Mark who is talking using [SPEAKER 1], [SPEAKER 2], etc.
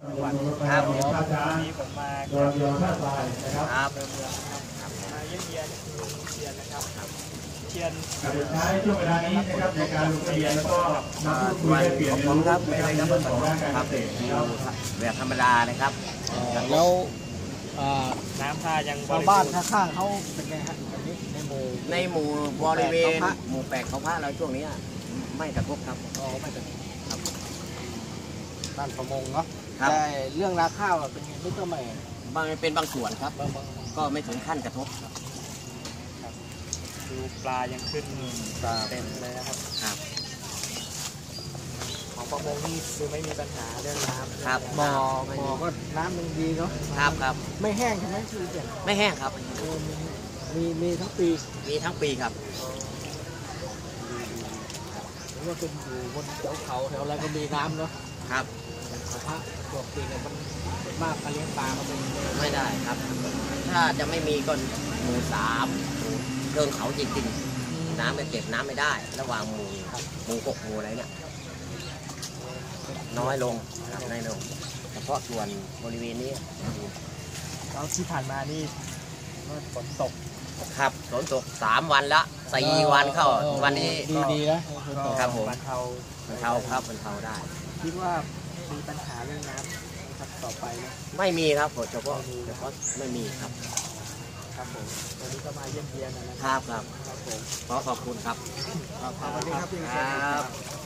[SPEAKER 1] วัน
[SPEAKER 2] ครับ
[SPEAKER 1] วันนี้ผมมาเดินเรือท่าทรายนะครับเดินเรือนะครับมาเยี่ยมเยียนคือเชียนนะครับเชียน
[SPEAKER 3] ใช้ช่วงเวลานี้นะครับในการลงทะเบียนแล้วก็มาพูดคุยเปลี่ยนเรียนรู้ในเรื่องของด้านการเกษตรนะครับ
[SPEAKER 2] แบบธรรมดานะครับ
[SPEAKER 4] แล้ว
[SPEAKER 1] น้ำท่ายัง
[SPEAKER 4] ชาวบ้านข้างๆเขาเป็นไงฮะอันนี้ในหมู่
[SPEAKER 2] บริเวณหมู่แปดเขาพระเราช่วงนี้ไม่กระทบครับ
[SPEAKER 4] ไม่กระทบครับด้านประมงเนาะแต่เรื่องนาข้าวเป็นไงไม่ต้อง
[SPEAKER 2] เป็นบางส่วนครับก็ไม่ถึงขั้นกระทบครับ
[SPEAKER 1] ดูปลายังขึ้นเต็มเลยนะครับของประมงนี่คือไม่มีปัญหาเรื่องน้ำ
[SPEAKER 2] ครับ
[SPEAKER 4] บ่อก็น้ำมันดีเนาะ
[SPEAKER 2] ครับ
[SPEAKER 4] ไม่แห้งใช่ไหมคือ
[SPEAKER 2] ไม่แห้งครับ
[SPEAKER 4] มีทั้งปี
[SPEAKER 2] ครับ
[SPEAKER 4] หรือว่าเป็นอยู่บนเขาแถวอะไรก็มีน้ำเนาะ
[SPEAKER 2] ครับ
[SPEAKER 4] พระตัวปีเนี่ยมันมากการเลี้ยงปลาก็
[SPEAKER 2] ไม่ได้ครับถ้าจะไม่มีก็หมู่3เชิงเขาจริงๆน้ำไม่เก็บน้ำไม่ได้ระหว่างหมู่6หมู่อะไรเนี่ยน้อยลงเฉพาะส่วนบริเวณนี้
[SPEAKER 1] แล้วที่ผ่านมานี่ฝนตก
[SPEAKER 2] ครับฝนตก3 วันละ4 วันเข้าวันนี้
[SPEAKER 4] ดีนะครับ
[SPEAKER 1] ผมบรรเทา
[SPEAKER 2] ครับบรรเทาได้
[SPEAKER 1] คิดว่ามีปัญหาเรื่องน้ำครับต่อไปนะ
[SPEAKER 2] ไม่มีครับเฉพาะไม่มีครับ
[SPEAKER 1] ครับผมวันนี้ก็มาเยี่ยมเยียนนะครับ
[SPEAKER 2] ผมขอขอบคุณครับ
[SPEAKER 1] สวัสดีครับพี่ครับ